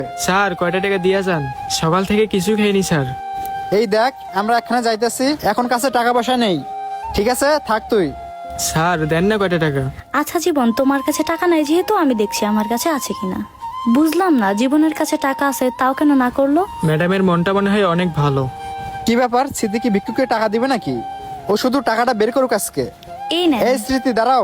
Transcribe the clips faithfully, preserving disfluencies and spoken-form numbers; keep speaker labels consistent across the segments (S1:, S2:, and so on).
S1: Sir কয়টা টাকা দিয়া যান? সকাল থেকে কিছু খাইনি স্যার।
S2: এই দেখ, আমরা এখানে যাইতেছি, এখন কাছে টাকা পয়সা নেই। ঠিক আছে, থাক তুই।
S1: স্যার দেন না কয়টা টাকা।
S3: আচ্ছা জীবন, তোমার কাছে টাকা নাই যেহেতু আমি দেখছি আমার কাছে আছে কিনা। বুঝলাম না, জীবনের কাছে টাকা আছে তাও কেন না করলো?
S1: ম্যাডামের মনটা মনে হয় অনেক ভালো।
S2: কি ব্যাপার, স্মৃতি কি ভিক্ষুকে টাকা দিবে নাকি? ও শুধু টাকাটা বের করুক আজকে।
S3: এই না,
S2: এই স্মৃতি দাঁড়াও।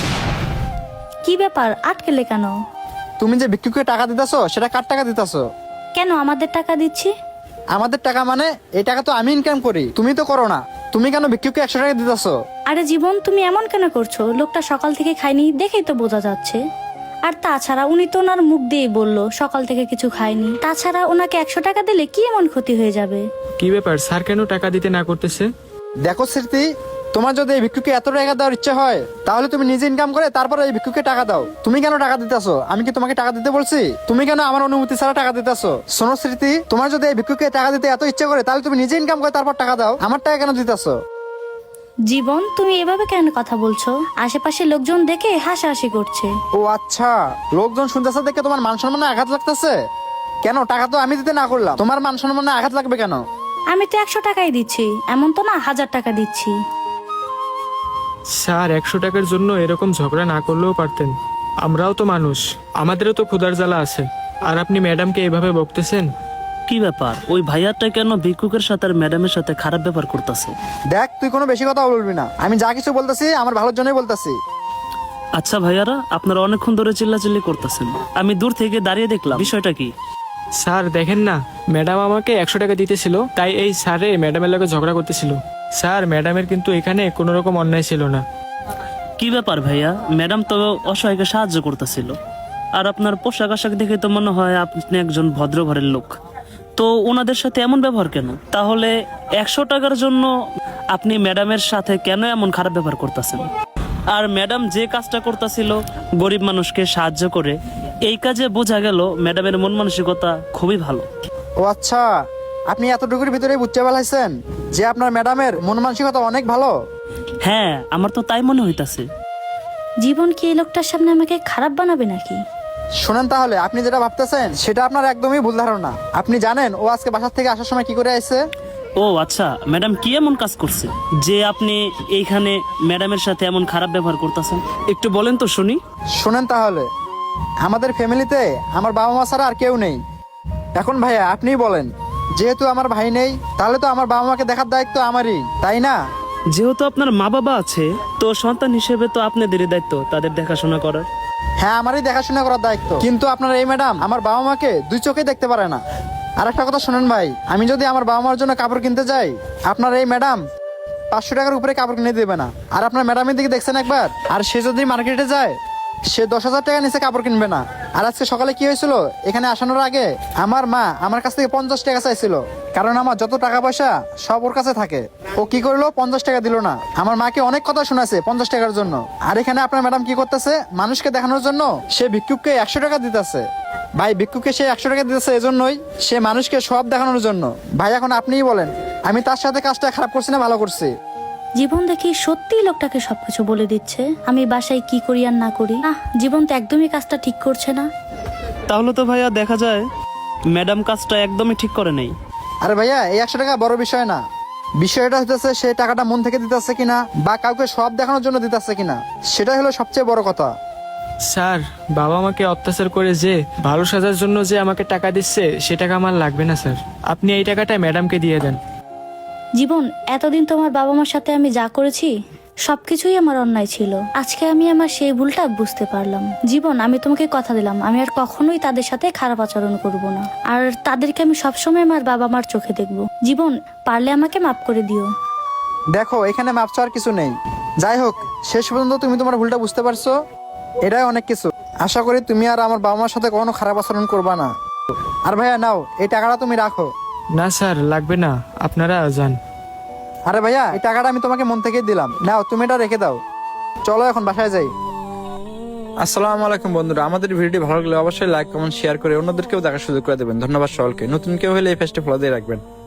S3: কি ব্যাপার, আটকেলে কেন?
S2: তুমি যে ভিক্ষুকে টাকা দিতেছো সেটা কার টাকা দিতেছো?
S3: কেন আমাদের টাকা দিচ্ছি?
S2: আমাদের টাকা মানে? এই টাকা তো আমি ইনকাম করি, তুমি তো করো না। তুমি কেন ভিক্ষুকে একশো টাকা দিতেছো?
S3: আরে জীবন, তুমি এমন কেন করছো? লোকটা সকাল থেকে খায়নি দেখেই তো বোঝা যাচ্ছে। আর তাছাড়া উনি তো ওনার মুখ দিয়েই বললো সকাল থেকে কিছু খায়নি। তাছাড়া ওনাকে একশো টাকা দিলে কি এমন ক্ষতি হয়ে যাবে?
S1: কি ব্যাপার, স্যার কেন টাকা দিতে না করতেছে?
S2: দেখো স্মৃতি, তোমার যদি এই ভিক্ষুকে এত টাকা দেওয়ার ইচ্ছা হয় তাহলে তুমি নিজে ইনকাম করে তারপর এই ভিক্ষুকে টাকা দাও। তুমি কেন টাকা দিতেছো? আমি কি তোমাকে টাকা দিতে বলছি? তুমি কেন আমার অনুমতি ছাড়া টাকা দিতেছো? শোনো স্মৃতি, তোমার যদি এই ভিক্ষুকে টাকা দিতে এত ইচ্ছা করে তাহলে তুমি নিজে ইনকাম করে তারপর টাকা দাও। আমার টাকা কেন দিতেছো?
S3: জীবন, তুমি এভাবে কেন কথা বলছো? আশেপাশে লোকজন দেখে হাসাহাসি করছে।
S2: ও আচ্ছা, লোকজন শুনতেছে দেখে তোমার মান সম্মানে আঘাত লাগতেছে? কেন, টাকা তো আমি দিতে না করলাম, তোমার মান সম্মানে আঘাত লাগবে কেন?
S3: আমি তো একশো টাকাই দিচ্ছি, এমন তো না হাজার টাকা দিচ্ছি।
S1: স্যার একশো টাকার জন্য এরকম ঝগড়া না করলেও পারতেন। আমরাও তো মানুষ, আমাদেরও তো ক্ষুধার জ্বালা আছে। আর আপনি ম্যাডামকে এভাবে বকতেছেন?
S4: কি ব্যাপার, ওই ভাইয়াটা কেন ভিক্ষুকের সাথে আর ম্যাডামের সাথে খারাপ ব্যবহার করতেছে?
S2: দেখ, তুই কোনো বেশি কথা বলবি না। আমি যা কিছু বলতেছি আমার ভালোর জন্যই বলতেছি।
S4: আচ্ছা ভাইয়ারা, আপনারা অনেকক্ষণ ধরে চিল্লাচিল্লি করতেছেন, আমি দূর থেকে দাঁড়িয়ে দেখলাম, বিষয়টা কি?
S1: স্যার দেখেন না, ম্যাডাম আমাকে একশো টাকা দিতেছিল, তাই এই স্যারে ম্যাডামের লগে ঝগড়া করতেছিল। স্যার ম্যাডামের কিন্তু এখানে কোনো রকম অন্যায় ছিল না।
S4: কি ব্যাপার ভাইয়া, ম্যাডাম তো অসহায়কে সাহায্য করতেছিল, আর আপনার পোশাক আশাক দেখে তো মনে হয় আপনি একজন ভদ্র ঘরের লোক, তো ওনাদের সাথে এমন ব্যবহার কেন? তাহলে একশো টাকার জন্য আপনি ম্যাডামের সাথে কেন এমন খারাপ ব্যবহার করতেছেন? আর ম্যাডাম যে কাজটা করতেছিল গরিব মানুষকে সাহায্য করে, এই কাজে বোঝা গেল ম্যাডামের মন মানসিকতা খুবই ভালো।
S2: ও আচ্ছা, আপনি এতটুকুর ভিতরে বুঝতে পারছেন যে আপনার ম্যাডামের মন মানসিকতা অনেক ভালো?
S4: হ্যাঁ, আমার তো তাই মনে হইতাছে।
S3: জীবন কি এই লোকটার সামনে আমাকে খারাপ বানাবে নাকি?
S2: শোনেন, তাহলে আপনি যেটা ভাবতেছেন সেটা আপনার একদমই ভুল ধারণা। আপনি জানেন ও আজকে বাসার থেকে আসার সময় কি করে আসছে?
S4: ও আচ্ছা, ম্যাডাম কি এমন কাজ করছে যে আপনি এইখানে ম্যাডামের সাথে এমন খারাপ ব্যবহার করতেছেন? একটু বলেন তো শুনি।
S2: শোনেন তাহলে, আমাদের ফ্যামিলিতে আমার বাবা মা ছাড়া আর কেউ নেই। এখন ভাইয়া আপনিই বলেন, যেহেতু আমার ভাই নেই তাহলে তো আমার বাবা মাকে দেখার দায়িত্ব আমারই, তাই না?
S4: যেহেতু আপনার মা বাবা আছে, তো সন্তান হিসেবে তো আপনাদেরই দায়িত্ব তাদের দেখাশোনা করার।
S2: হ্যাঁ, আমারই দেখাশোনা করার দায়িত্ব, কিন্তু আপনার এই ম্যাডাম আমার বাবা মাকে দুই চোখে দেখতে পারে না। আর একটা কথা শোনেন ভাই, আমি যদি আমার বাবা মার জন্য কাপড় কিনতে যাই, আপনার এই ম্যাডাম পাঁচশো টাকার উপরে কাপড় কিনে দেবে না। আর আপনার ম্যাডামের দিকে দেখছেন একবার, আর সে যদি মার্কেটে যায় সে দশ হাজার টাকা নিচে কাপড় কিনবে না। আর আজকে সকালে কি হয়েছিল, এখানে আসানোর আগে আমার মা আমার কাছ থেকে পঞ্চাশ টাকা চাইছিল, কারণ আমার যত টাকা পয়সা সব ওর কাছে থাকে। ও কি করলো, পঞ্চাশ টাকা দিল না। আমার মাকে অনেক কথা শোনাছে পঞ্চাশ টাকার জন্য। আর এখানে আপনার ম্যাডাম কি করতেছে, মানুষকে দেখানোর জন্য সে ভিক্ষুককে একশো টাকা দিতেছে। ভাই, ভিক্ষুককে সে একশো টাকা দিতেছে এজন্যই, সে মানুষকে সব দেখানোর জন্য। ভাই এখন আপনিই বলেন, আমি তার সাথে কাজটা খারাপ করছি না ভালো করছি?
S3: জীবন দেখি সত্যি লোকটাকে সবকিছু বলে দিচ্ছে, আমি বাসায় কি করি আর না করি। আহ, জীবন তো একদমই কাজটা ঠিক করছে না।
S4: তাহলে তো ভাইয়া দেখা যায় ম্যাডাম কাজটা একদমই ঠিক করে নেই।
S2: আরে ভাইয়া, এই একশো টাকা বড় বিষয় না। বিষয়টা হইতেছে সে টাকাটা মন থেকে দিতেছে কিনা, বা কাউকে সব দেখানোর জন্য দিতেছে কিনা, সেটাই হলো সবচেয়ে বড় কথা।
S1: স্যার বাবা আমাকে অত্যাচার করে যে ভালো সাজার জন্য যে আমাকে টাকা দিচ্ছে, সে টাকা আমার লাগবে না স্যার। আপনি এই টাকাটা ম্যাডামকে দিয়ে দেন।
S3: জীবন, এতদিন তোমার বাবা মার সাথে আমি যা করেছি সবকিছুই আমার অন্যায় ছিল। আজকে আমি আমার সেই ভুলটা বুঝতে পারলাম। জীবন, আমি তোমাকে কথা দিলাম আমি আর কখনোই তাদের সাথে খারাপ আচরণ করব না, আর তাদেরকে আমি সবসময় আমার বাবা মার চোখে দেখব। জীবন, পারলে আমাকে মাফ করে দিও।
S2: দেখো, এখানে মাপ চাওয়ার কিছু নেই। যাই হোক, শেষ পর্যন্ত তুমি তোমার ভুলটা বুঝতে পারছো, এটাই অনেক কিছু। আশা করি তুমি আর আমার বাবা মার সাথে কখনো খারাপ আচরণ করবা না। আর ভাইয়া নাও, এই টাকাটা তুমি রাখো।
S1: না স্যার লাগবে না, আপনারা যান।
S2: আরে ভাইয়া, এই টাকাটা আমি তোমাকে মন থেকেই দিলাম, নাও তুমি এটা রেখে দাও। চলো এখন বাসায় যাই। আসসালামু আলাইকুম বন্ধুরা, আমাদের ভিডিওটি ভালো লাগলে অবশ্যই লাইক কমেন্ট শেয়ার করে অন্যদেরকেও দেখার সুযোগ করে দেবেন। ধন্যবাদ সকলকে। নতুন কেউ হলে এই পেজটি ফলো দিয়ে রাখবেন।